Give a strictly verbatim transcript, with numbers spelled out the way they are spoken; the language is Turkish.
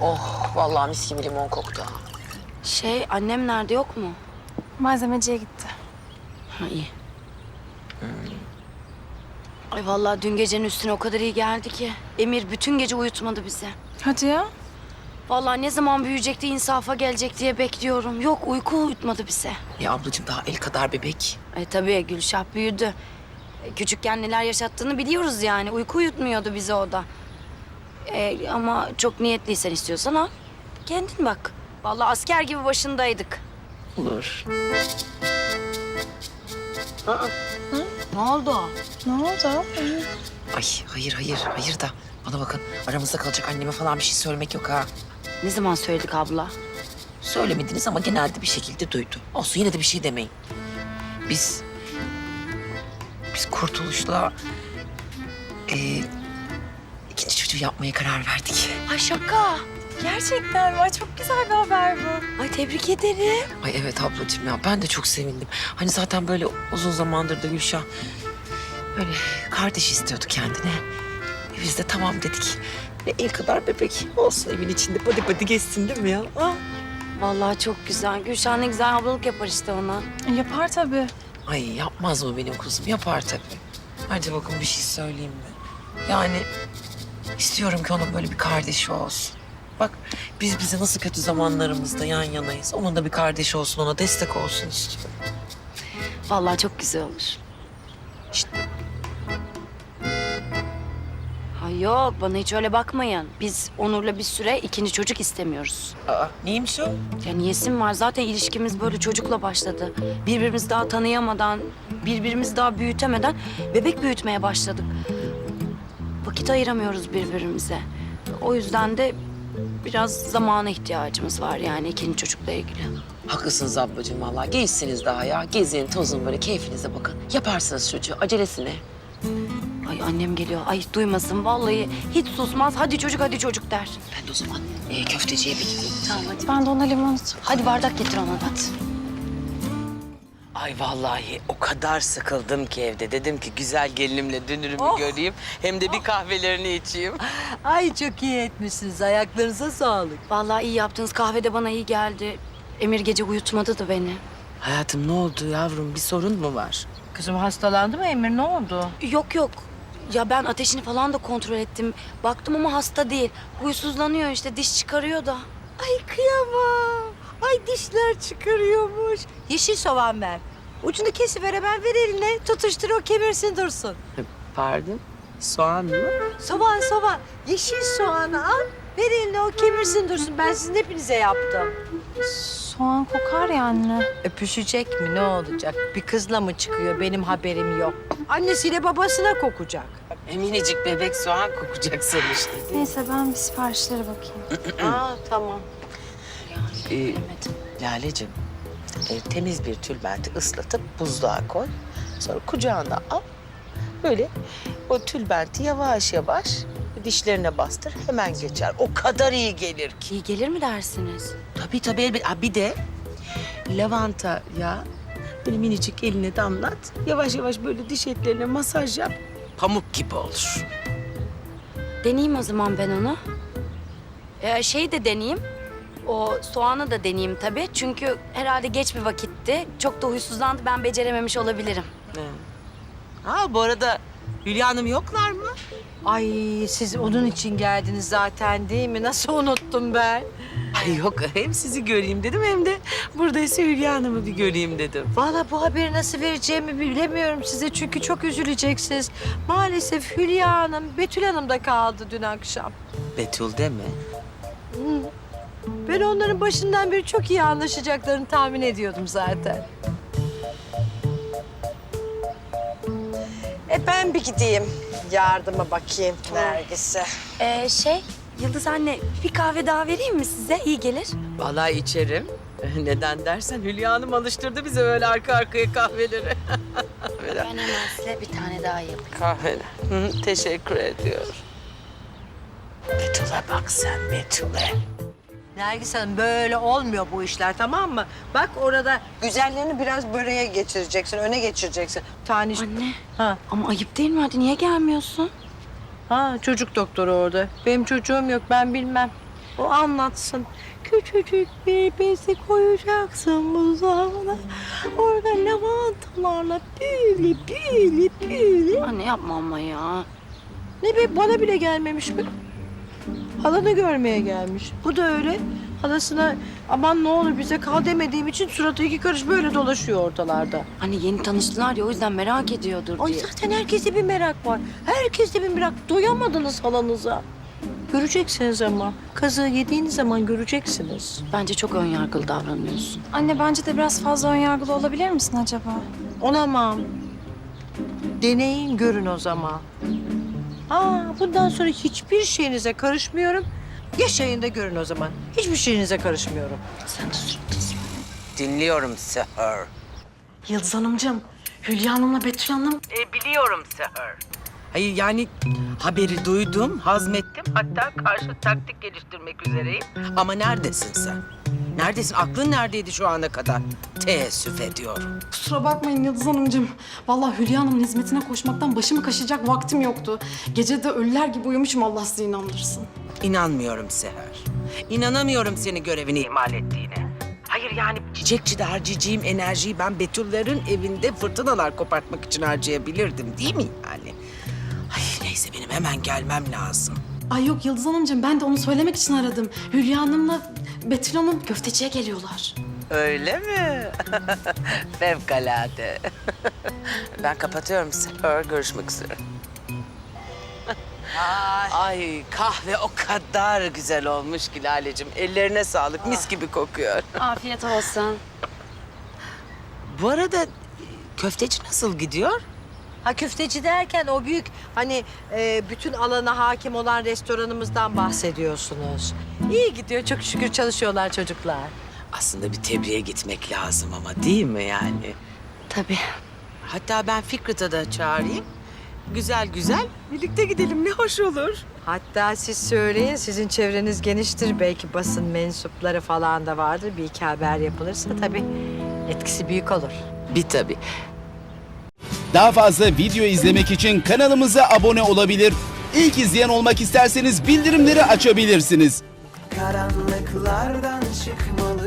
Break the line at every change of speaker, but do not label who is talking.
Oh vallahi mis gibi limon koktu ha.
Şey, annem nerede, yok mu?
Malzemeciye gitti.
Ha, iyi. Ay vallahi dün gecenin üstüne o kadar iyi geldi ki. Emir bütün gece uyutmadı bizi.
Hadi ya.
Vallahi ne zaman büyüyecek de insafa gelecek diye bekliyorum. Yok, uyku uyutmadı bize.
Ya ablacığım daha el kadar bebek.
Ay tabii Gülşah büyüdü. E, Küçükken neler yaşattığını biliyoruz yani. Uyku uyutmuyordu bizi o da. E, ama çok niyetliysen istiyorsan al. Kendin bak. Vallahi asker gibi başındaydık.
Olur.
Ne oldu?
Ne oldu?
Ay hayır hayır hayır da bana bakın aramızda kalacak anneme falan bir şey söylemek yok ha.
Ne zaman söyledik abla?
Söylemediniz ama genelde bir şekilde duydu. Olsun yine de bir şey demeyin. Biz... Biz Kurtuluş'la... E, ikinci çocuğu yapmaya karar verdik.
Ay şaka.
Gerçekten mi? Ay, çok güzel bir haber bu.
Ay tebrik ederim.
Ay evet ablacığım ya ben de çok sevindim. Hani zaten böyle uzun zamandır da Gülşah böyle kardeş istiyordu kendine. E biz de tamam dedik. Ne el kadar bebek olsun evin içinde pati pati geçsin değil mi ya? Ha?
Vallahi çok güzel. Gülşah ne güzel ablalık yapar işte ona.
Yapar tabii.
Ay yapmaz mı benim kuzum? Yapar tabii. Hadi bakın bir şey söyleyeyim mi? Yani istiyorum ki onun böyle bir kardeşi olsun. Bak biz bize nasıl kötü zamanlarımızda yan yanayız. Onun da bir kardeşi olsun, ona destek olsun istiyorum.
Vallahi çok güzel olur.
İşte
Ay yok, bana hiç öyle bakmayın. Biz Onur'la bir süre ikinci çocuk istemiyoruz.
aa, neymiş o?
Ya niyesim var? Zaten ilişkimiz böyle çocukla başladı. Birbirimizi daha tanıyamadan, birbirimizi daha büyütemeden bebek büyütmeye başladık. Vakit ayıramıyoruz birbirimize. O yüzden de biraz zamana ihtiyacımız var yani ikinci çocukla ilgili.
Haklısınız ablacığım vallahi. Gençsiniz daha ya. Gezin, tozun böyle keyfinize bakın. Yaparsınız çocuğu. Acelesi ne?
Ay annem geliyor. Ay duymasın vallahi. Hiç susmaz. Hadi çocuk, hadi çocuk der.
Ben de o zaman e, köfteciye bir gideyim.
Tamam hadi.
Ben de ona limon
Hadi bardak getir ona hadi.
Ay vallahi o kadar sıkıldım ki evde. Dedim ki güzel gelinimle dünürümü göreyim. Hem de bir kahvelerini içeyim.
Ay çok iyi etmişsiniz. Ayaklarınıza sağlık.
Vallahi iyi yaptınız. Kahve de bana iyi geldi. Emir gece uyutmadı da beni.
Hayatım ne oldu yavrum? Bir sorun mu var?
Kızım hastalandı mı Emir? Ne oldu?
Yok yok. Ya ben ateşini falan da kontrol ettim. Baktım ama hasta değil. Huysuzlanıyor işte. Diş çıkarıyor da.
Ay kıyamam. Ay dişler çıkarıyormuş. Yeşil soğan ver. Ucunu kesiver hemen ver eline. Tutuştur o kemirsin dursun.
Pardon? Soğan mı?
Soğan soğan. Yeşil soğanı al. Ver eline o kemirsin dursun. Ben sizin hepinize yaptım.
Soğan kokar ya anne.
Öpüşecek mi ne olacak? Bir kızla mı çıkıyor benim haberim yok. Annesiyle babasına kokacak.
E, minicik bebek soğan kokacak sonuçta.
Neyse ben bir siparişlere bakayım.
Aa tamam.
Ee, Lale'cim, e, temiz bir tülbenti ıslatıp buzluğa koy. Sonra kucağına al. Böyle o tülbenti yavaş yavaş dişlerine bastır. Hemen geçer. O kadar iyi gelir ki.
İyi gelir mi dersiniz?
Tabii tabii elbette. Ha, bir de lavanta yağı böyle minicik eline damlat. Yavaş yavaş böyle diş etlerine masaj yap. Pamuk gibi olur.
Deneyeyim o zaman ben onu. Ee, şey de deneyeyim. O soğanı da deneyeyim tabii. Çünkü herhalde geç bir vakitti. Çok da huysuzlandı. Ben becerememiş olabilirim.
Ha bu arada Hülya Hanım yoklar mı?
Ay siz onun için geldiniz zaten değil mi? Nasıl unuttum ben?
Ay yok hem sizi göreyim dedim hem de buradaysa Hülya Hanım'ı bir göreyim dedim.
Vallahi bu haberi nasıl vereceğimi bilemiyorum size çünkü çok üzüleceksiniz. Maalesef Hülya Hanım, Betül Hanım da kaldı dün akşam.
Betül deme.
Ben onların başından beri çok iyi anlaşacaklarını tahmin ediyordum zaten. E ben bir gideyim. Yardıma bakayım Nergis'e.
Ee, şey, Yıldız anne bir kahve daha vereyim mi size? İyi gelir.
Vallahi içerim. Neden dersen Hülya Hanım alıştırdı bize böyle arka arkaya kahveleri.
Ben hemen size bir tane daha yapayım.
Kahveler. Hı, teşekkür ediyorum. Betül'e bak sen Betül'e.
Nergis Hanım böyle olmuyor bu işler tamam mı? Bak orada güzellerini biraz böreğe geçireceksin, öne geçireceksin. Tane...
Anne
Ha.
ama ayıp değil mi? Hadi niye gelmiyorsun?
Ha çocuk doktoru orada. Benim çocuğum yok ben bilmem. O anlatsın. Küçücük bir bezi koyacaksın buzdağına. Orada lavantalarla böyle böyle böyle.
Anne yapma ama ya.
Ne be, bana bile gelmemiş mi? Halanı görmeye gelmiş. Bu da öyle. Halasına aman ne olur bize kal demediğim için suratı iki karış böyle dolaşıyor ortalarda.
Anne yeni tanıştılar ya o yüzden merak ediyordur
Ay
diye.
zaten herkeste bir merak var. Herkeste bir merak. Doyamadınız halanıza. Göreceksiniz ama. Kazığı yediğiniz zaman göreceksiniz.
Bence çok ön yargılı davranıyorsun.
Anne bence de biraz fazla önyargılı olabilir misin acaba?
Olamam. Deneyin görün o zaman. Aa, bundan sonra hiçbir şeyinize karışmıyorum. Yaşayın da görün o zaman. Hiçbir şeyinize karışmıyorum.
Sen de suratısın.
Dinliyorum Seher.
Yıldız Hanımcığım, Hülya Hanım'la Betül Hanım...
E, biliyorum Seher. Hayır yani haberi duydum, hazmettim. Hatta karşı taktik geliştirmek üzereyim. Ama neredesin sen? Neredesin? Aklın neredeydi şu ana kadar? Teessüf ediyorum.
Kusura bakmayın Yıldız Hanımcığım. Vallahi Hülya Hanım'ın hizmetine koşmaktan başımı kaşıyacak vaktim yoktu. Gece de ölüler gibi uyumuşum, Allah sizi inandırsın.
İnanmıyorum Seher. İnanamıyorum senin görevini ihmal ettiğine. Hayır yani çiçekçide harcayacağım enerjiyi ben Betüllerin evinde fırtınalar kopartmak için harcayabilirdim değil mi yani? Ay neyse benim hemen gelmem lazım.
Ay yok Yıldız Hanımcığım, ben de onu söylemek için aradım. Hülya Hanım'la Betül Hanım köfteciye geliyorlar.
Öyle mi? Fevkalade. Ben kapatıyorum Seher. Görüşmek üzere. Ay kahve o kadar güzel olmuş ki Lale'cim. Ellerine sağlık. Mis gibi kokuyor.
Afiyet olsun.
Bu arada köfteci nasıl gidiyor?
Ha, köfteci derken o büyük hani e, bütün alana hakim olan restoranımızdan bahsediyorsunuz. İyi gidiyor, çok şükür çalışıyorlar çocuklar.
Aslında bir tebriğe gitmek lazım ama değil mi yani?
Tabii.
Hatta ben Fikret'e de çağırayım. Güzel güzel birlikte gidelim ne hoş olur.
Hatta siz söyleyin, sizin çevreniz geniştir. Belki basın mensupları falan da vardır. Bir iki haber yapılırsa tabii etkisi büyük olur.
Bir tabii.
Daha fazla video izlemek için kanalımıza abone olabilir. İlk izleyen olmak isterseniz bildirimleri açabilirsiniz.
Karanlıklardan çıkmalı